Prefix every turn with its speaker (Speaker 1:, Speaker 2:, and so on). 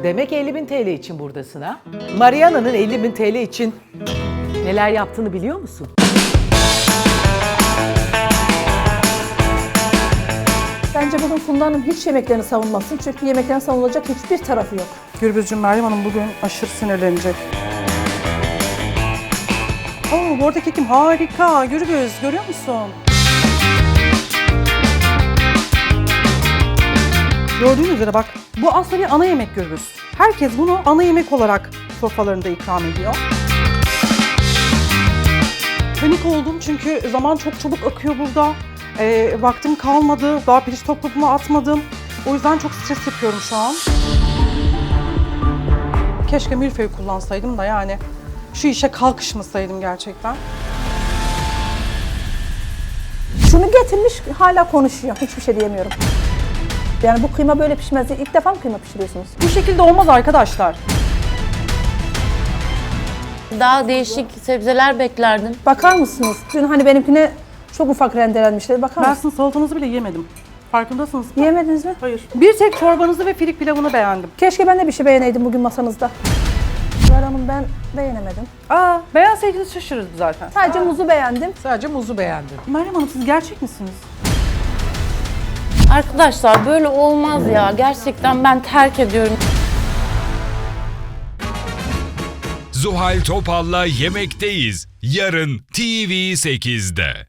Speaker 1: Demek 50.000 TL için buradasın ha? Mariana'nın 50.000 TL için neler yaptığını biliyor musun?
Speaker 2: Bence bugün Funda Hanım hiç yemeklerini savunmasın. Çünkü yemeklerin savunulacak hiçbir tarafı yok.
Speaker 3: Gürbüzcüğüm, Meryem Hanım bugün aşırı sinirlenecek. Oo, bu arada kekim harika. Gürbüz, görüyor musun? Gördüğünüz üzere bak, bu aslında bir ana yemek Gürbüz. Herkes bunu ana yemek olarak sofralarında ikram ediyor. Panik oldum çünkü zaman çok çabuk akıyor burada. Vaktim kalmadı, daha pirinç topluluğumu atmadım. O yüzden çok stres yapıyorum şu an. Keşke milföy kullansaydım da yani şu işe kalkışmasaydım gerçekten.
Speaker 2: Şunu getirmiş hala konuşuyor. Hiçbir şey diyemiyorum. Yani bu kıyma böyle pişmez diye ilk defa mı kıyma pişiriyorsunuz?
Speaker 3: Bu şekilde olmaz arkadaşlar.
Speaker 4: Daha değişik sebzeler beklerdim.
Speaker 2: Bakar mısınız? Dün hani benimkine çok ufak rendelenmişler. Bakar
Speaker 3: Ben
Speaker 2: mısınız?
Speaker 3: sizin salatanızı bile yemedim. Farkındasınız mı?
Speaker 2: Yemediniz mi?
Speaker 3: Hayır. Bir tek çorbanızı ve firik pilavını beğendim.
Speaker 2: Keşke ben de bir şey beğeneydim bugün masanızda. Zuhal Hanım ben beğenemedim.
Speaker 3: Beğenseydiniz şaşırırız zaten.
Speaker 2: Sadece muzu beğendim.
Speaker 1: Sadece muzu beğendin.
Speaker 3: Meryem Hanım, siz gerçek misiniz?
Speaker 4: Arkadaşlar böyle olmaz ya. Gerçekten ben terk ediyorum.
Speaker 5: Zuhal Topal'la Yemekteyiz. Yarın TV8'de.